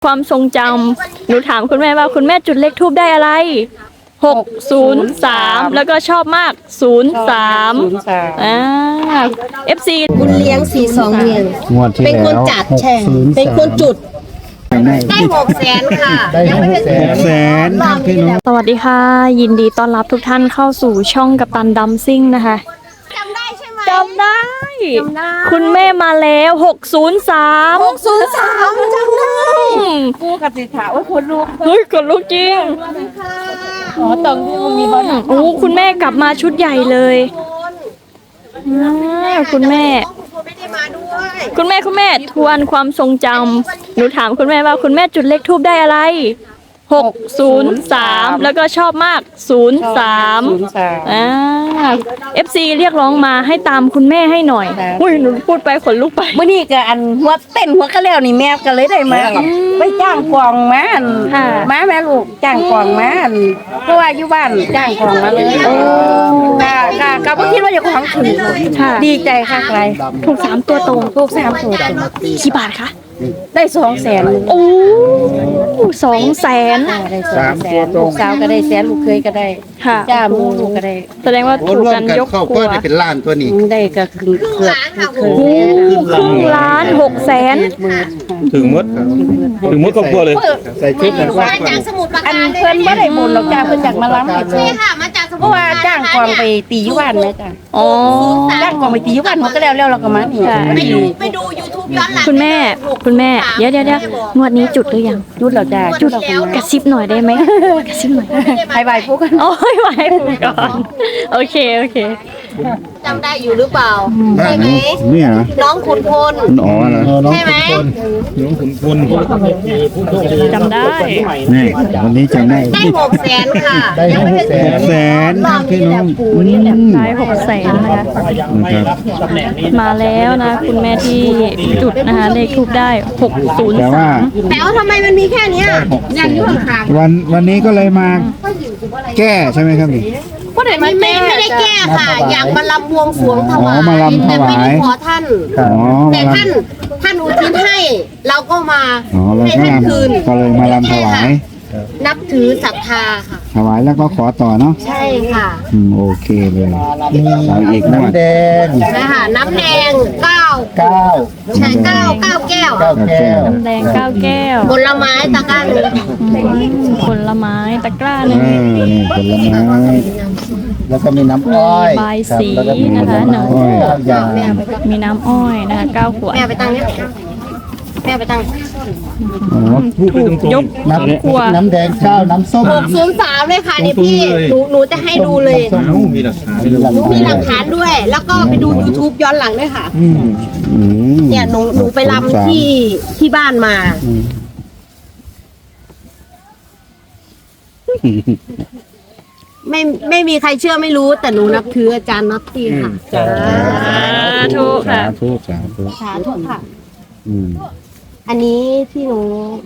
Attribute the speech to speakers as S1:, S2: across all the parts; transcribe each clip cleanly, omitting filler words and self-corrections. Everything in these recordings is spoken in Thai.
S1: ความทรงจำหนูถามคุณแม่ว่าคุณแม่จุดเลขทูบได้อะไร603แล้วก็ชอบมาก03FC
S2: บุญเลี้ยง42เดือนเป็นคนจัดแช่เป็นคนจุดได้600,000ค่ะได้600,000
S3: พี่น้อง
S1: สวัสดีค่ะยินดีต้อนรับทุกท่านเข้าสู่ช่องกัปตันดัมซิ่งนะคะ
S2: จำได้ใช่ไหม
S1: จำได้คุณแม่มาแล้ว603
S2: 603จำได้
S1: กูกับสิถาว่าคนลูกเฮ้ยคนลูกจริงอ๋อตองมีบอลโอ้คุณแม่กลับมาชุดใหญ่เลยคุณแม่
S2: ไม่ได้มาด้วย
S1: คุณแม่ทวนความทรงจำหนูถามคุณแม่ว่าคุณแม่จุดเลขทูบได้อะไร603แล้วก็ชอบมาก03 FC เรียกร้องมาให้ตามคุณแม่ให้หน่อยอุ้ยหนูพูดไปขนลุกไป
S4: เมื่อนี้ก็อันหัวเต้นหัวก็แล้วนี่แม่ก็เลยได้มาไปจ้างกองมามาแม่ลูกจ้างกองมาเพราะว่าอยู่บ้านจ้างกองมาเลยก็บ่คิดว่าจะของถึงดีใจค่ะใคร
S1: ถูก3ตัวตรง
S4: ถูก3ตัวตรง
S1: กี่บาทคะ
S4: ได้200,000
S1: โอ้200,000
S4: ได้200,000ลูกสาวก็ได้100,000ลูกเคยก็ได้
S1: ค่ะ
S4: จ้ามูลูกก็ได้
S1: แสดงว่าถูกกันยกครัว
S3: ได้เป็นล้านตัวนี้
S4: ได้ก็คือเกือบ
S1: ครึ่งล้าน600,000
S3: ถึงมดครอบครัวเลยใส่ชุดนั้นว่า
S2: มาจากสมุทรปรา
S4: อัน
S2: การ
S4: เพิ่นบ่ได้บุญหรอกจ้าเพิ่นจากมาล้ำให้เพิ่
S2: ใช่
S4: น
S2: ค่ะมาจากสมุ
S4: เพ
S2: ทร
S4: ราะ
S2: ป
S4: ว่า
S2: ราการ
S4: จ้างกองไปตีอยู่บ้านแม่จ้ะ
S1: อ๋อ
S4: จ้างกองไปตีอยู่บ้านหัวก็แล้วเราก็มานี่
S2: ไปดู YouTube ย้อนหลัง
S1: คุณแม่เดี๋ยวงวดนี้จุดหรือยัง
S4: จุดแล้วจ้าจุดแล้ว
S1: กระซิบหน่อยได้ไหมกระซิบหน่อย
S4: ไปบายพวกกัน
S1: โอ้ยไว้ก่อนโอเค
S2: จำได้อยู่หรือเปล่าใช่ไหม
S3: เนี่ยนะ
S2: น้องขุนพล
S3: อ๋อเหรอ
S2: ใช่ไหม
S3: น้องขุนพล
S1: จำได้
S3: นี่วันนี้จะได้
S2: ได้600,000ค่ะ
S3: ได้600,000พี่น้อง
S1: ได้600,000นะคะมาแล้วนะคุณแม่ที่จุดนะคะเลขทูบได้
S3: แต่ว่า
S1: 603
S2: แต่ว่าทำไมมันมีแค่เนี้ยยังอยู่ห่าง
S3: วันนี้ก็เลยมาแก้ใช่ไหมครับนี่
S2: ๆไม่ได้แก้ค่ะ อยากมาลำบวงสรวงถวาย
S3: มาลำถวาย
S2: แต่ไม่ได้ขอท่าน
S3: อ๋อ
S2: แต่ท่านอุทิศให้เราก็มา
S3: อ๋อเรา
S2: ให้
S3: ก็
S2: ท่าน
S3: ลำ
S2: คืน
S3: ก็เลยมาลำถวาย
S2: นับถือศรัทธาค่ะ
S3: ถวายแล้วก็ขอต่อเนาะ
S2: ใช่ค่ะ
S3: โอเคเลยเอาอีกน้ำแดง
S2: นะคะน้ำแดง9
S3: 9
S2: ใช่9แก้ว
S3: แก้ว
S1: น้ำแดง9 แก้ว
S2: ผลไม้ตะกร้าหนึ่ง
S1: ผลไม้ตะกร้าหนึ่ง
S3: นี่ผลไม้แล้วก็มีน้ำอ้อย
S1: ใบสีนะคะหนึ่ง
S3: ยา
S1: มีน้ำอ้อยนะคะ9 ขวด
S2: แม่ไปตั้งเนี่ยแม่ไปตั้ง
S1: ถูกยก
S3: น้ำแดง9น้ำส้ม
S2: 603เลยค่ะนี่พี่หนูจะให้ดูเลย
S3: มีหลักฐาน
S2: หนูมีหลักฐานด้วย แล้วก็ไปดู YouTube ย้อนหลังด้วยค่ะเนี่ยหนูไปรำที่บ้านมาไม่มีใครเชื่อไม่รู้แต่หนูนับถืออาจารย์น็อตตี้ค่ะ
S1: ถูกค่ะ
S3: สาธุ
S2: สาธุค่ะอันนี้ที่หนู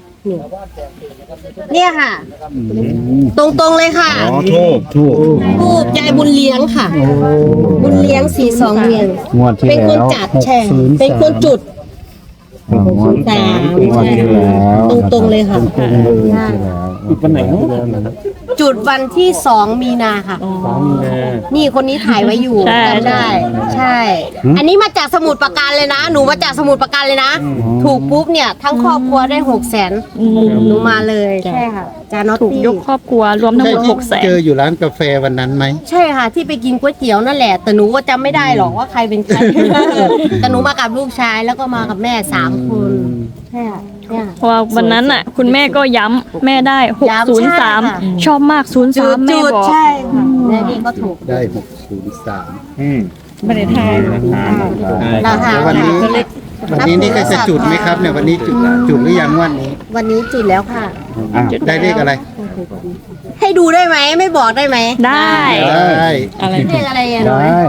S2: เนี่ยค่ะ ตรงๆเลยค่ะ
S3: อ๋อทูบ
S2: รูปยายบุญเลี้ยงค่ะ บุญเลี้ยง42เดือน
S3: งวดที่
S2: เป็นคน
S3: แล้ว
S2: จัดแช่เป็นคนจุด
S3: งวดที่แล้ว
S2: ตรงๆเลยค่ะ
S3: วันไหน
S2: จุดวันที่2 มีนาค่ะนี่คนนี้ถ่ายไว้อยู่จำได้ ใช่ อันนี้มาจากสมุทรปราการเลยนะ หนูมาจากสมุทรปราการเลยนะ ถูกปุ๊บเนี่ยทั้งครอบครัวได้600,000หนูมาเลยใช่ค่ะจานอต
S1: ถูก
S2: ตี้
S1: ยกครอบครัวรวมทั้งหมด
S3: เจอ
S1: 600,000
S3: อยู่ร้านกาแฟวันนั้นไหม
S2: ใช่ค่ะที่ไปกินก๋วยเตี๋ยวนั่นแหละแต่หนูก็จำไม่ได้หรอกว่าใครเป็นใคร แต่หนูมากับลูกชายแล้วก็มากับแม่3 คนใช่ค่ะเนี่ย
S1: เพราะว่าวันนั้นน่ะคุณแม่ก็ย้ำแม่ได้603ชอบมาก03แม่บอก
S2: ใช่ค่ะแม่นี่ก็ถูก
S3: ได้603
S4: ไม่ได้ทาย
S2: ราคา
S3: วันนี้นี่ก็จะจุดไหมครับเนี่ยวันนี้จุดหรือยังวันนี้
S2: วันนี้จุดแล้วค่ะ
S3: ได้เลขอะไร
S2: ให้ดูได้ไหมไม่บอกได้ไหม
S1: ได้
S3: ได้
S2: เลขอะไรอ่ะ
S3: ได้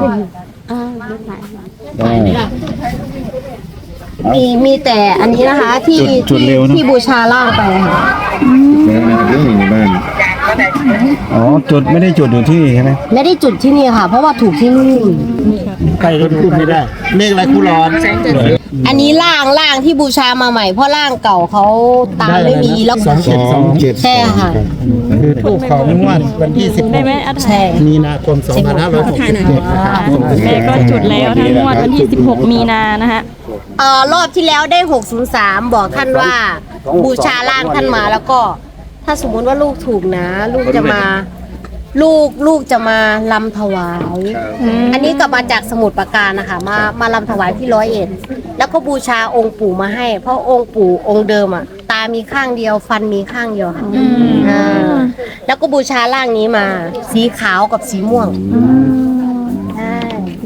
S2: มีแต่อันนี้นะคะที่บูชาล่างไปค่ะ
S3: เรื่องบ้าน
S5: อ๋อจุดไม่ได้จุดอยู่ที่นี่ใช่ไหม
S2: ไม่ได้จุดที่นี่ค่ะ เพราะว่าถูกที่นู่น
S3: ใครก็พูดไม่ได้เลขอะไรครูร้อน
S2: อันนี้ล่างที่บูชามาใหม่เพราะล่างเก่าเขาตามไม่มีแล้ว
S3: 27
S2: ใช่ค่ะ
S3: คือถูกของงวดวันที่
S1: ได้ไหมอา
S2: ใช่
S3: 16มีนาคม2567นะครับ
S1: แม่ก็จุดแล้วทั้งงวดวันที่ 16 มีนานะฮะ
S2: รอบที่แล้วได้ 603 บอกท่านว่าบูชาล่างท่านมาแล้วก็ ถ้าสมมุติว่าลูกถูกนะ ลูกจะมาจะมาลำถวาย อันนี้กลับมาจากสมุทรปราการนะคะมาลำถวายที่101แล้วก็บูชาองค์ปู่มาให้ เพราะองค์ปู่องค์เดิมอ่ะ ตามีข้างเดียวฟันมีข้างเดียวค่ะแล้วก็บูชาร่างนี้มา สีขาวกับสีม่วงใช่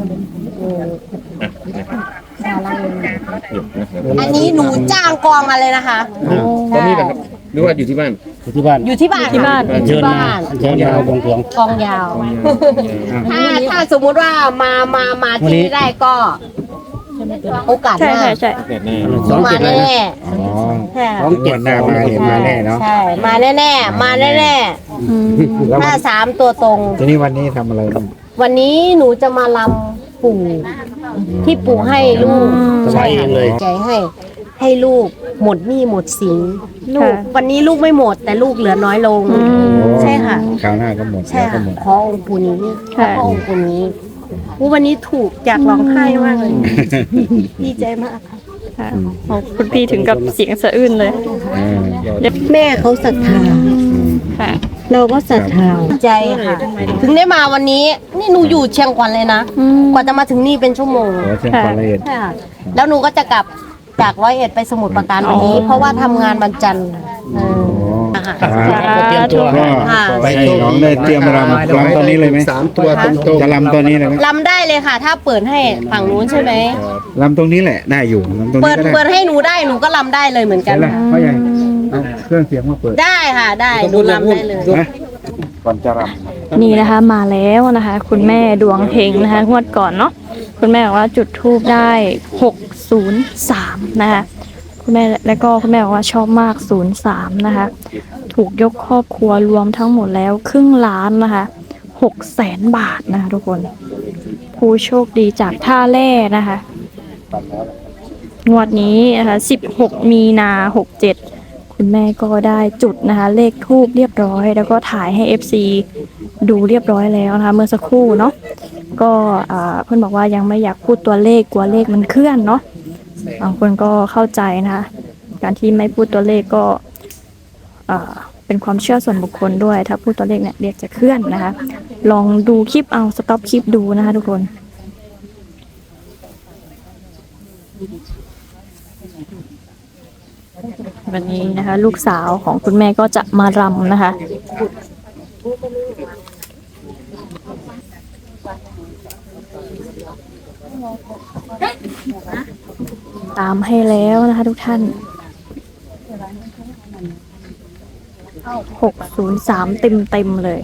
S2: อันนี้หนูจ้างกองมาเลยนะคะ
S6: ตอนนี้นะครับหรือว่าอยู่ที่บ้าน
S3: ที่บ้าน
S2: อยู่ที่บ้าน
S1: ที่บ้าน
S3: เชิญมาเชิญมาบวงสรวง
S2: กองยาว ถ้าสมมุติว่ามาที่นี่ได้ก็ โอกาสห
S1: ใช่
S2: น้า
S1: ใช่ใช่
S2: มาแน่
S3: อ๋อ
S2: ๆใช่
S3: 27หน้ามาเห็นมาแน่เนาะ
S2: ใช่มาแน่ๆมาแน่ๆถ้า3 ตัวตรง
S3: ทีนี้วันนี้ทำอะไรบ้าง
S2: วันนี้หนูจะมาลำปู่ที่ปู่ให้ลูก
S3: ถวายเองเลย
S2: ใจให้ลูกหมดหนี้หมดสินลูกวันนี้ลูกไม่หมด แต่ลูกเหลือน้อยลง ใช่ค่ะ
S3: คราวหน้าก็หมด
S2: ใช่
S3: แล้วก็
S2: ค่ะ
S3: หมด
S2: ขอองค์ปู่นี้ขอองค์ปู่นี้วันนี้ถูกจากร้องไห้มากเลยดีใจมากค่ะ
S1: ค่ะโอ้คุณพี่ถึงกับเสียงสะอื้นเลย
S2: แม่เขาศรัทธา
S1: ค่ะ
S2: เราก็ศรัทธาใจค่ะ ถึงได้มาวันนี้นี่หนูอยู่เชียงขวัญเลยนะ กว่าจะมาถึงนี่เป็นชั่วโมง
S3: ขอเชิญความละเอียด
S2: ใช่ค่ะแล้วหนูก็จะกลับจาก101ไปสมุทรปราการวันนี้ เพราะว่าทำงานวันจันทร์ค่ะ
S1: สาธุ
S3: ก็ไป
S5: ให้น้องได้เตรียมรำตอนนี้เลยไหม
S3: 3 ตัวตรง
S5: จะรำตอนนี้เลยไหม
S2: ลำได้เลยค่ะ ถ้าเปิดให้ฝั่งนู้นใช่ไหม
S5: รำตรงนี้แหละได้อยู่รำตรง
S2: เปิ
S5: นี้
S2: ด
S5: ก็ได้
S2: เปิดให้หนูได้หนูก็ลำได้เลยเหมือนกัน
S5: ใช่ละเพราะยังเอาเครื่องเสียงมาเปิด
S2: ได้ค่ะได้หนูลำได้เลย
S5: นะก่อนจะรำ
S1: นี่นะคะมาแล้วนะคะ คุณแม่ดวงเฮงนะคะงวดก่อนเนาะคุณแม่บอกว่าจุดทูบได้603นะคะคุณแม่แล้วก็คุณแม่บอกว่าชอบมาก03นะคะถูกยกครอบครัวรวมทั้งหมดแล้วครึ่งล้านนะคะ600,000 บาทนะคะทุกคนผู้โชคดีจากท่าแร่นะคะงวดนี้นะคะ16 มีนา67คุณแม่ก็ได้จุดนะคะเลขทูบเรียบร้อย แล้วก็ถ่ายให้ FC ดูเรียบร้อยแล้วนะคะเมื่อสักครู่เนาะก็เพื่อนบอกว่ายังไม่อยากพูดตัวเลขกลัวเลขมันเคลื่อนเนาะบางคนก็เข้าใจนะคะการที่ไม่พูดตัวเลขก็เป็นความเชื่อส่วนบุคคลด้วยถ้าพูดตัวเลขเนี่ยเลขจะเคลื่อนนะคะลองดูคลิปเอาสต็อปคลิปดูนะคะทุกคนวันนี้นะคะลูกสาวของคุณแม่ก็จะมารำนะคะตามให้แล้วนะคะทุกท่าน603เต็มเลย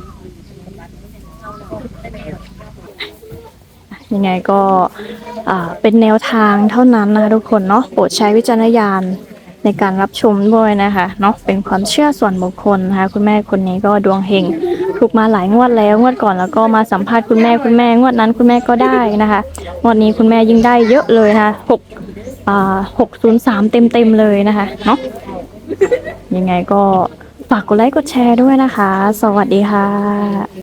S1: ยังไงก็เป็นแนวทางเท่านั้นนะคะทุกคนเนาะโปรดใช้วิจารณญาณในการรับชมด้วยนะคะเนาะเป็นความเชื่อส่วนบุคคลนะคะคุณแม่คนนี้ก็ดวงเฮงถูกมาหลายงวดแล้วงวดก่อนแล้วก็มาสัมภาษณ์คุณแม่งวดนั้นคุณแม่ก็ได้นะคะงวดนี้คุณแม่ยิ่งได้เยอะเลยนะคะ603เต็มเลยนะคะเนาะยังไงก็ฝากกดไลค์กดแชร์ด้วยนะคะสวัสดีค่ะ